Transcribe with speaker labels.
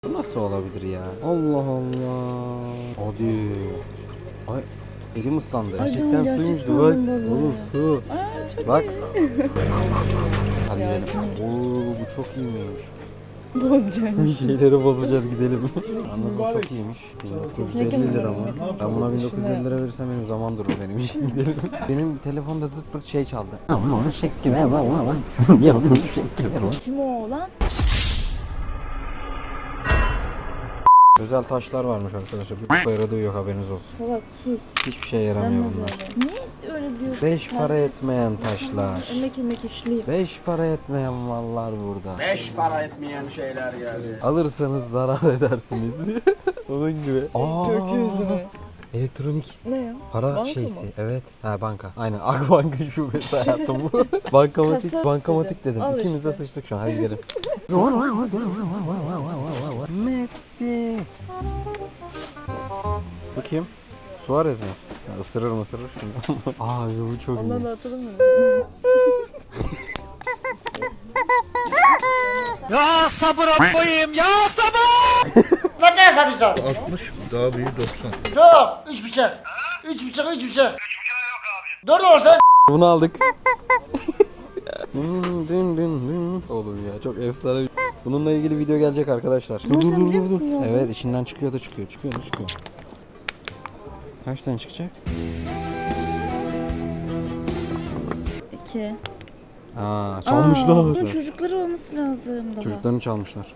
Speaker 1: Bu nasıl olabilir ya? Allah Allah. Hadi. Ay elim ıslandı. Gerçekten suymuş. Bak. Oğlum su. Bak. Hadi gidelim. Oo bu çok iyiymiş.
Speaker 2: Bozacağım.
Speaker 1: Bir şeyleri bozacağız gidelim. Yalnız bu çok iyiymiş. 1950 lira mı? Ben buna 1950 lira verirsem benim zaman durur benim için gidelim. Benim telefonda zırt pırt şey çaldı. Ama onu şekli ver var. Ya bunu şekli ver var.
Speaker 2: Kim o oğlan?
Speaker 1: Özel taşlar varmış arkadaşlar. Bir yaradığı yok haberiniz olsun.
Speaker 2: Salak sus.
Speaker 1: Hiçbir şey yaramıyor
Speaker 2: Denmez
Speaker 1: bunlar.
Speaker 2: öyle. Niye öyle diyorsun?
Speaker 1: 5 para etmeyen taşlar.
Speaker 2: Emek emek işleyip.
Speaker 1: 5 para etmeyen mallar burada.
Speaker 3: 5 para etmeyen şeyler geldi.
Speaker 1: Alırsanız zarar edersiniz. Onun gibi. Aa,
Speaker 2: Gökyüzüne.
Speaker 1: elektronik
Speaker 2: Ne ya?
Speaker 1: para
Speaker 2: Banka
Speaker 1: şeysi.
Speaker 2: mı?
Speaker 1: Evet. Ha banka. Aynen. Akbanka şubesi hayatım bu. Bankamatik,
Speaker 2: Kasa
Speaker 1: bankamatik dedim.
Speaker 2: Al
Speaker 1: İkimiz de
Speaker 2: işte.
Speaker 1: sıçtık şu an. Hadi gidelim. Messi. Bu kim? Suarez mi? Ya, ısırır mı ısırır şimdi. Aa bu çok
Speaker 2: Ondan
Speaker 1: iyi.
Speaker 2: da atalım mı?
Speaker 3: Ya sabır koyayım ya sabır. Ne kadar satıyorsun?
Speaker 4: 60 daha büyüğü 90.
Speaker 3: Yok 3 bıçak. 3 bıçak 3 bıçak. 3 bıçak yok abi. 4 olsun.
Speaker 1: Bunu aldık. Oğlum ya çok efsane. Bununla ilgili video gelecek arkadaşlar.
Speaker 2: Dur, sen biliyor musun ya?
Speaker 1: Evet içinden çıkıyor da çıkıyor. Çıkıyor da çıkıyor. Kaç tane çıkacak?
Speaker 2: 2.
Speaker 1: Aa çalmışlar.
Speaker 2: Bunun çocukları olması lazım daha.
Speaker 1: Çocuklarını çalmışlar.